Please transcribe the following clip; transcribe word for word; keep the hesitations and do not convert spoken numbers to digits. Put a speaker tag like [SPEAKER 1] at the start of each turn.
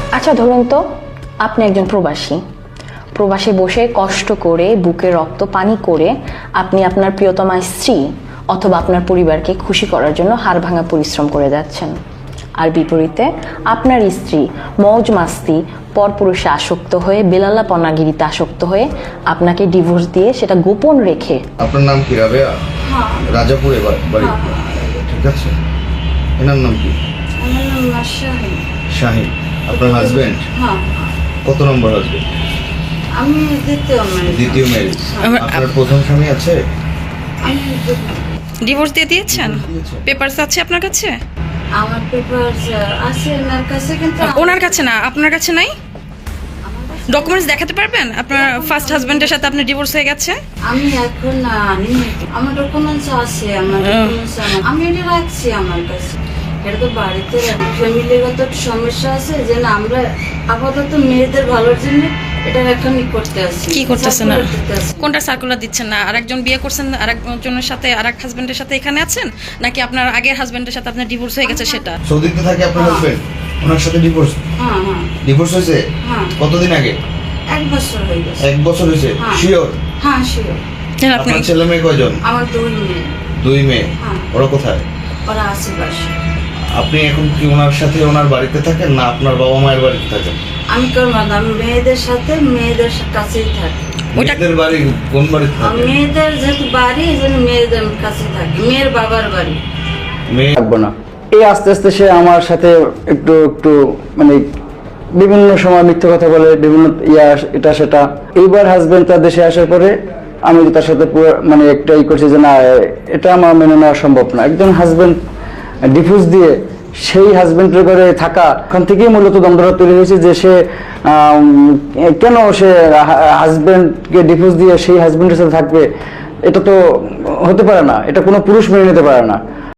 [SPEAKER 1] আচ্ছা ধরুন তো আপনি একজন প্রবাসী প্রবাসে বসে কষ্ট করে বুকে রক্ত পানি করে আপনি আপনার প্রিয়তমা স্ত্রী অথবা আপনার পরিবারকে খুশি করার জন্য হাড় ভাঙা পরিশ্রম করে যাচ্ছেন, আর বিপরীতে আপনার স্ত্রী মৌজ মাস্তি পরপুরুষে আসক্ত হয়ে বেলাল্লা পনাগিরিতে আসক্ত হয়ে আপনাকে ডিভোর্স দিয়ে সেটা গোপন রেখে।
[SPEAKER 2] আপনার নাম কি? রাবেয়া?
[SPEAKER 3] হ্যাঁ।
[SPEAKER 2] রাজাপুরে বাড়ি? ঠিক আছে। এনার নাম কি?
[SPEAKER 3] আমার নাম শাহিন।
[SPEAKER 2] শাহিন। আপনার হাজবেন্ড?
[SPEAKER 3] হ্যাঁ।
[SPEAKER 2] কত নম্বর হাজবেন্ড?
[SPEAKER 3] আমি দ্বিতীয় ম্যারেজ।
[SPEAKER 2] দ্বিতীয় ম্যারেজ। আপনার প্রথম স্বামী আছে?
[SPEAKER 3] আমি
[SPEAKER 4] ডিভোর্স দিয়ে দিয়েছেন? পেপারস আছে আপনার কাছে?
[SPEAKER 3] আমার পেপারস আছে ওনার কাছে, কিন্তু
[SPEAKER 4] ওনার কাছে না, আপনার কাছে নাই? ডকুমেন্টস দেখাতে পারবেন আপনার ফার্স্ট হাজবেন্ডের সাথে আপনার ডিভোর্স হয়ে গেছে?
[SPEAKER 3] আমি এখন আনি আমার ডকুমেন্টস আছে, আমার ডকুমেন্টস আমি এটা রাখছি আমার কাছে। এটা তো বাড়িতে ফ্যামিলিগত সমস্যা আছে যে না, আমরা আপাতত মেয়েদের ভালোর জন্য এটা এখন করতে আসি।
[SPEAKER 4] কি করতেছেন? কোনটা সার্কুলার দিচ্ছেন না? আরেকজন বিয়ে করছেন আরেকজনের সাথে, আরেক হাজবেন্ডের সাথে এখানে আছেন, নাকি আপনার আগের হাজবেন্ডের সাথে আপনার ডিভোর্স হয়ে গেছে সেটা?
[SPEAKER 2] সৌদিতে থাকে আপনার হাজবেন্ড? ওনার সাথে ডিভোর্স?
[SPEAKER 3] হ্যাঁ হ্যাঁ।
[SPEAKER 2] ডিভোর্স হয়েছে?
[SPEAKER 3] হ্যাঁ।
[SPEAKER 2] কতদিন আগে?
[SPEAKER 3] এক বছর হয়ে গেছে।
[SPEAKER 2] এক বছর হয়েছে? শিওর?
[SPEAKER 3] হ্যাঁ শিওর।
[SPEAKER 4] আপনি
[SPEAKER 2] আপনার ছেলে মেয়ে কয়জন?
[SPEAKER 3] আমার দুই মেয়ে।
[SPEAKER 2] দুই মেয়ে?
[SPEAKER 3] হ্যাঁ।
[SPEAKER 2] ওরা কোথায়?
[SPEAKER 3] ওরা আশেপাশে।
[SPEAKER 2] আপনি এখন কি ওনার সাথে ওনার বাড়িতে থাকেন না আপনার বাবা মায়ের বাড়িতে থাকেন?
[SPEAKER 3] আমি করবো না, আমি মেয়েদের সাথে মেয়েদের কাছেই থাকি।
[SPEAKER 2] মেয়েদের বাড়ি কোন বাড়িতে থাকেন?
[SPEAKER 3] মেয়েদের যেহেতু বাড়ি এই জন্য মেয়েদের কাছে থাকি, মেয়ের বাবার বাড়ি।
[SPEAKER 2] মেয়ে
[SPEAKER 5] থাকবো না। এই আস্তে আস্তে সে আমার সাথে একটু একটু মানে বিভিন্ন সময় মিথ্যে কথা বলে, বিভিন্ন ইয়া এটা সেটা। এইবার হাজবেন্ড তার দেশে আসার পরে আমি তার সাথে পুরো মানে একটাই করছি যে না, এটা আমার মেনে নেওয়া সম্ভব না। একজন হাজবেন্ড ডিভোর্স দিয়ে সেই হাজবেন্ডের ঘরে থাকা, ওখান থেকেই মূলত দ্বন্দ্বটা তৈরি হয়েছে যে সে কেন সে হাজবেন্ডকে ডিভোর্স দিয়ে সেই হাজবেন্ডের সাথে থাকবে। এটা তো হতে পারে না, এটা কোনো পুরুষ মেনে নিতে পারে না।